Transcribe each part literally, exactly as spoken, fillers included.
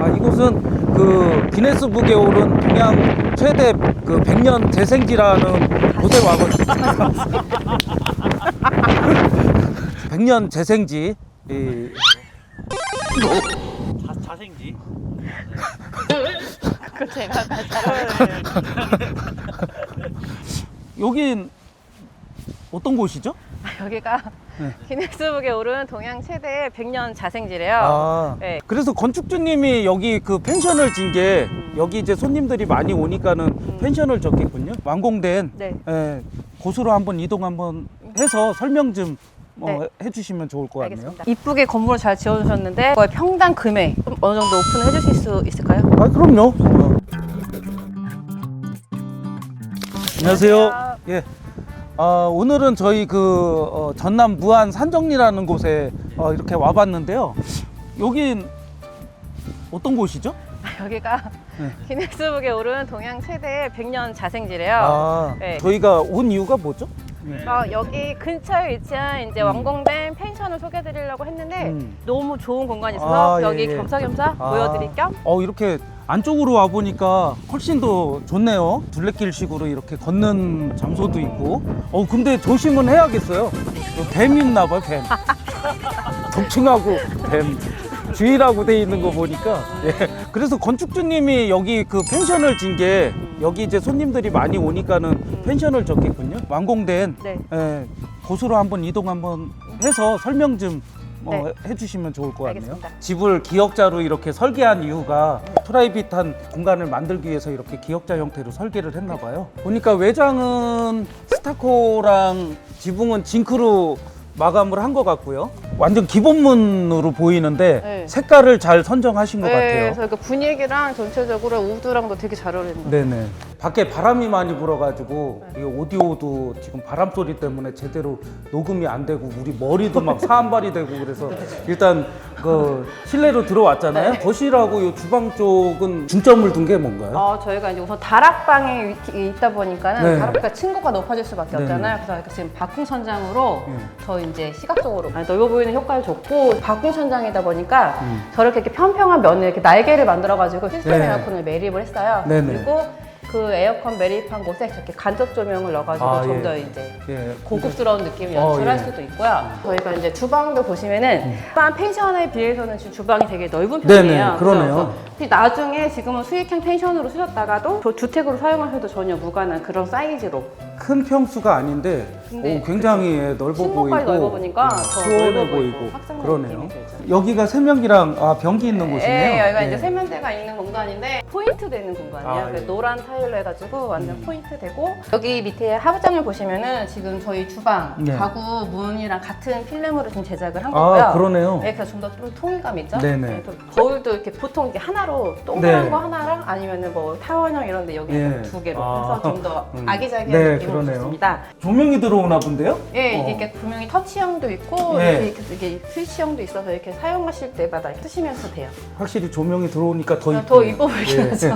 아, 이곳은 그 기네스북에 오른 동양 최대 그 백 년 재생지라는 곳에 와가지고 백 년 재생지. 이... 자, 자생지. 그 제가 다 여긴 어떤 곳이죠? 여기가 네. 기네스북에 오른 동양 최대 백 년 자생지래요. 아, 네. 그래서 건축주님이 여기 그 펜션을 진 게 여기 이제 손님들이 많이 오니까는 음. 펜션을 졌겠군요. 완공된 네. 예, 곳으로 한번 이동 한번 해서 설명 좀 어, 네. 해주시면 좋을 것 같네요. 알겠습니다. 이쁘게 건물을 잘 지어주셨는데 그거의 평당 금액 좀 어느 정도 오픈해 주실 수 있을까요? 아, 그럼요. 어. 안녕하세요. 안녕하세요. 예. 아, 오늘은 저희 그 어, 전남 무안 산정리라는 곳에 어, 이렇게 와봤는데요. 여긴 어떤 곳이죠? 여기가 네. 기네스북에 오른 동양 최대 백 년 자생지래요. 아, 네. 저희가 온 이유가 뭐죠? 어, 여기 근처에 위치한 이제 음. 완공된 펜션을 소개해드리려고 했는데 음. 너무 좋은 공간이 있어서 아, 여기 예, 예. 겸사겸사 아. 보여드릴 겸 어, 이렇게 안쪽으로 와 보니까 훨씬 더 좋네요. 둘레길식으로 이렇게 걷는 장소도 있고. 어, 근데 조심은 해야겠어요. 뱀 있나 봐요, 뱀. 독충하고 뱀. 주의라고 돼 있는 거 보니까. 예. 그래서 건축주님이 여기 그 펜션을 진 게 여기 이제 손님들이 많이 오니까는 펜션을 졌겠군요. 완공된 네. 예, 곳으로 한번 이동 한번 해서 설명 좀 어, 네. 해주시면 좋을 것 같네요. 알겠습니다. 집을 기역자로 이렇게 설계한 이유가 프라이빗한 공간을 만들기 위해서 이렇게 기역자 형태로 설계를 했나 봐요. 보니까 외장은 스타코랑 지붕은 징크로 마감을 한 것 같고요. 완전 기본문으로 보이는데 네. 색깔을 잘 선정하신 것 네, 같아요. 그래서 그 분위기랑 전체적으로 우드랑도 되게 잘 어울리는 것 같아요. 네네. 밖에 바람이 많이 불어가지고 이 오디오도 지금 바람 소리 때문에 제대로 녹음이 안 되고 우리 머리도 막 사한발이 되고 그래서 일단 그 실내로 들어왔잖아요. 네. 거실하고 이 주방 쪽은 중점을 둔 게 뭔가요? 어, 저희가 이제 우선 다락방에 위- 있다 보니까는 네. 다락방 층고가 높아질 수밖에 네네. 없잖아요. 그래서 이렇게 지금 바풍천장으로 네. 더 이제 시각적으로 넓어 보이는 효과를 줬고 바풍천장이다 보니까 음. 저렇게 이렇게 편평한 면에 이렇게 날개를 만들어가지고 시스템 네. 에어컨을 매립을 했어요. 네네. 그리고 그 에어컨 매립한 곳에 저렇게 간접 조명을 넣어가지고 아, 좀 예. 더 이제 예. 고급스러운 느낌을 어, 연출할 예. 수도 있고요. 저희가 이제 주방도 보시면은 일반 펜션에 비해서는 지금 주방이 되게 넓은 네네, 편이에요. 그러네요. 그래서 나중에 지금은 수익형 펜션으로 쓰셨다가도 저 주택으로 사용하셔도 전혀 무관한 그런 사이즈로 큰 평수가 아닌데 근데 오, 굉장히 예, 넓어 보이고 층고까지 넓어 보니까 예, 더 시원해 넓어 보이고 보이고 확장된 그러네요. 느낌이 들죠. 여기가 세면기랑 아, 변기 있는 곳이네요. 네, 여기가 예. 이제 세면대가 있는 공간인데 포인트 되는 공간이에요. 아, 그래서 예. 노란 타일로 해가지고 완전 음. 포인트 되고 여기 밑에 하부장을 보시면은 지금 저희 주방 네. 가구 문이랑 같은 필름으로 지금 제작을 한 거고요. 아, 그러네요. 네, 그래서 좀 더 좀 통일감 있죠. 네네. 네, 또 거울도 이렇게 보통 이렇게 하나로 동그란 네. 거 하나랑 아니면은 뭐 타원형 이런데 여기 예. 두 개로 아. 해서 좀 더 음. 아기자기한 네, 느낌으로 그러네요. 좋습니다. 조명이 들어오나 본데요? 예, 어. 이게 이렇게 조명이 터치형도 있고 예. 이렇게, 이렇게 스위치형도 있어서 이렇게 사용하실 때마다 이렇게 쓰시면서 돼요. 확실히 조명이 들어오니까 더 이쁘네요. 더 이뻐 보이긴 예. 하죠.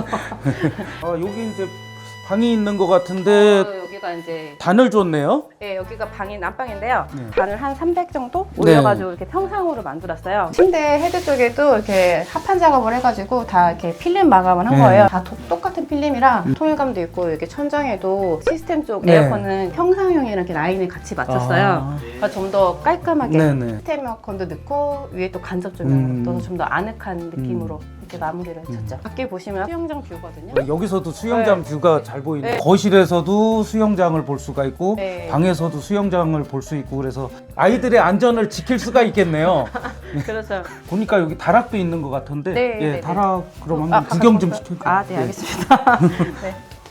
아, 여기 이제 방이 있는 것 같은데 어, 여기가 이제 단을 줬네요. 예, 여기가 방이 난방인데요. 네. 단을 한 삼백 정도 네. 올려가지고 이렇게 평상으로 만들었어요. 침대 헤드 쪽에도 이렇게 합판 작업을 해가지고 다 이렇게 필름 마감을 한 네. 거예요. 다 도- 똑같은 필름이랑 통일감도 있고 이렇게 천장에도 시스템 쪽 네. 에어컨은 평상형이랑 이렇게 라인을 같이 맞췄어요. 아. 그러니까 좀 더 깔끔하게 네네. 시스템 에어컨도 넣고 위에 또 간접 조명을 음. 넣어서 좀 더 아늑한 느낌으로 이렇게 마무리를 해줬죠. 밖에 보시면 수영장 뷰거든요. 여기서도 수영장 네. 뷰가 잘 보이네요. 네. 거실에서도 수영장을 볼 수가 있고 네. 방에서도 수영장을 볼 수 있고 그래서 아이들의 안전을 지킬 수가 있겠네요. 그렇죠. 보니까 여기 다락도 있는 것 같은데 네, 예, 네, 다락 그럼 한번 아, 구경 좀 가져올까요? 시킬까요? 아, 네, 알겠습니다. 네.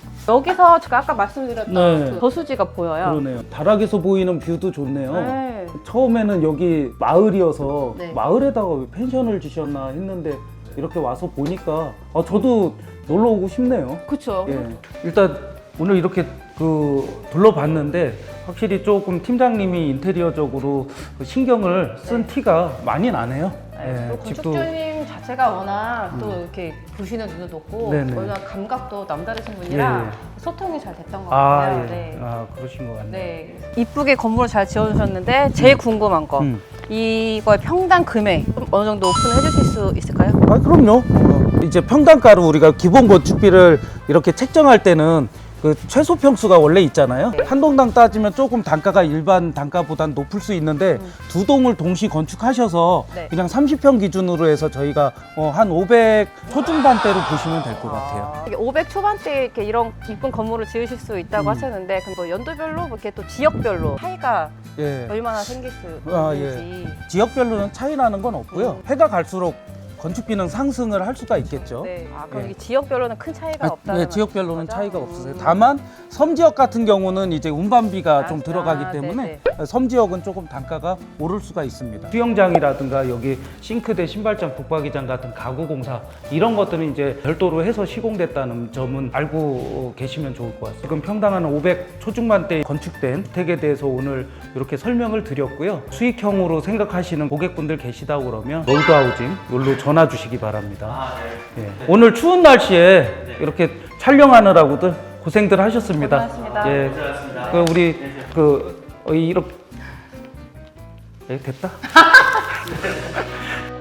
여기서 제가 아까 말씀드렸던 네. 그 저수지가 보여요. 그러네요. 다락에서 보이는 뷰도 좋네요. 네. 처음에는 여기 마을이어서 네. 마을에다가 왜 펜션을 지셨나 했는데 이렇게 와서 보니까 아, 저도 놀러 오고 싶네요. 그렇죠. 예. 일단 오늘 이렇게 그 둘러봤는데 확실히 조금 팀장님이 인테리어적으로 그 신경을 쓴 네. 티가 많이 나네요. 네. 예, 또 건축주님 자체가 워낙 또 이렇게 보시는 눈도 높고 네네. 워낙 감각도 남다르신 분이라 예, 예. 소통이 잘 됐던 것 아, 같아요. 예. 네. 아, 그러신 것 같네요. 네. 이쁘게 건물을 잘 지어주셨는데 제일 궁금한 거 음. 이거의 평당 금액 좀 어느 정도 오픈해 주실 수 있을까요? 아, 그럼요. 어. 이제 평당가로 우리가 기본 건축비를 이렇게 책정할 때는 그 최소 평수가 원래 있잖아요. 네. 한 동당 따지면 조금 단가가 일반 단가보단 높을 수 있는데 음. 두 동을 동시 건축하셔서 네. 그냥 삼십 평 기준으로 해서 저희가 어, 한 오백 초중반대로 보시면 될 것 같아요. 이게 오백 초반대에 이렇게 이런 이쁜 건물을 지으실 수 있다고 음. 하셨는데 그럼 뭐 연도별로 뭐 이렇게 또 지역별로 차이가 예. 얼마나 생길 수 아, 있는지. 지역별로는 차이 나는 건 없고요. 음. 해가 갈수록 건축비는 상승을 할 수가 있겠죠. 네. 아, 그럼 예. 이게 지역별로는 큰 차이가 아, 없다는 네, 지역별로는 거죠? 차이가 음. 없으세요. 다만 섬지역 같은 경우는 이제 운반비가 아, 좀 아, 들어가기 때문에 네네. 섬지역은 조금 단가가 오를 수가 있습니다. 수영장이라든가 여기 싱크대, 신발장, 붙박이장 같은 가구 공사 이런 것들은 이제 별도로 해서 시공됐다는 점은 알고 계시면 좋을 것 같습니다. 지금 평당 한 오백 초중반대 건축된 주택에 대해서 오늘 이렇게 설명을 드렸고요. 수익형으로 생각하시는 고객분들 계시다 그러면 롤드하우징 여기로 전화 주시기 바랍니다. 예. 오늘 추운 날씨에 이렇게 촬영하느라고들 고생들 하셨습니다. 고생하셨습니다. 예. 그 우리 그 어, 이렇게 예, 됐다.